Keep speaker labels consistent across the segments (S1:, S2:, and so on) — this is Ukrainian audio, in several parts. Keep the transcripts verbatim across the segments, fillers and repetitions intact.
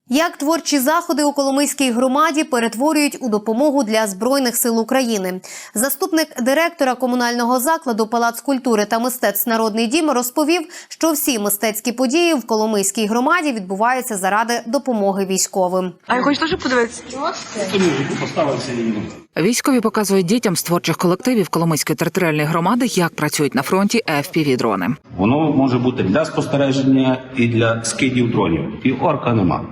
S1: Як творчі заходи у Коломийській громаді перетворюють у допомогу для Збройних сил України. Заступник директора комунального закладу «Палац культури та мистецтв Народний дім» розповів, що всі мистецькі події в Коломийській громаді відбуваються заради допомоги військовим.
S2: А я хочу теж подивитися.
S3: Військові показують дітям з творчих колективів Коломийської територіальної громади, як працюють на фронті еф пі ві-дрони.
S4: Воно може бути для спостереження і для скидів дронів. І орка нема.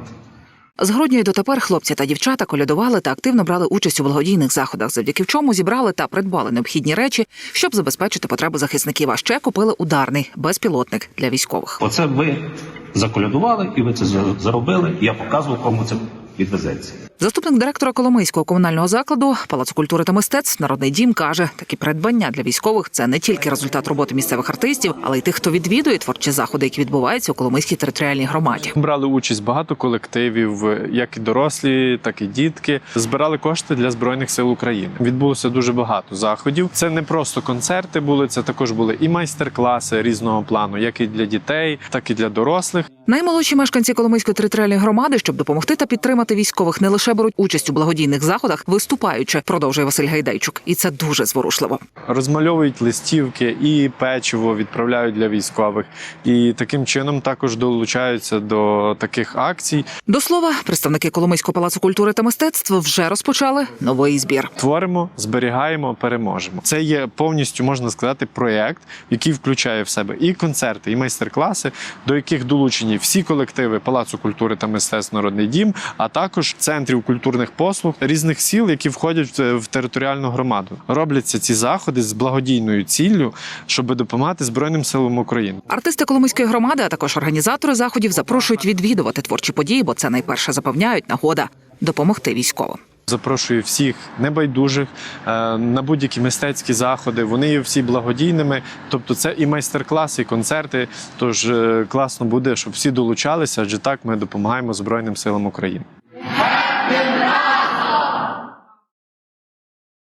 S3: З грудня й дотепер хлопці та дівчата колядували та активно брали участь у благодійних заходах, завдяки чому зібрали та придбали необхідні речі, щоб забезпечити потреби захисників. А ще купили ударний безпілотник для військових.
S4: Оце ви заколядували і ви це заробили. Я показував, кому це відвезеться.
S3: Заступник директора Коломийського комунального закладу «Палацу культури та мистецтв Народний дім» каже, такі придбання для військових – це не тільки результат роботи місцевих артистів, але й тих, хто відвідує творчі заходи, які відбуваються у Коломийській територіальній громаді.
S5: Брали участь багато колективів, як і дорослі, так і дітки. Збирали кошти для Збройних сил України. Відбулося дуже багато заходів. Це не просто концерти були, це також були і майстер-класи різного плану, як і для дітей, так і для дорослих.
S3: Наймолодші мешканці Коломийської територіальної громади, щоб допомогти та підтримати військових, не лише беруть участь у благодійних заходах, виступаючи, продовжує Василь Гайдайчук. І це дуже зворушливо.
S5: Розмальовують листівки і печиво відправляють для військових. І таким чином також долучаються до таких акцій.
S3: До слова, представники Коломийського палацу культури та мистецтв вже розпочали новий збір.
S5: Творимо, зберігаємо, переможемо. Це є повністю, можна сказати, проєкт, який включає в себе і концерти, і майстер-класи, до яких долучені всі колективи Палацу культури та мистецтв Народний дім, а також центрів культурних послуг різних сіл, які входять в територіальну громаду. Робляться ці заходи з благодійною ціллю, щоб допомагати Збройним силам України.
S3: Артисти Коломийської громади, а також організатори заходів запрошують відвідувати творчі події, бо це найперше запевняють нагода допомогти військовим.
S5: Запрошую всіх небайдужих на будь-які мистецькі заходи. Вони є всі благодійними, тобто це і майстер-класи, і концерти. Тож класно буде, щоб всі долучалися, адже так ми допомагаємо Збройним силам України.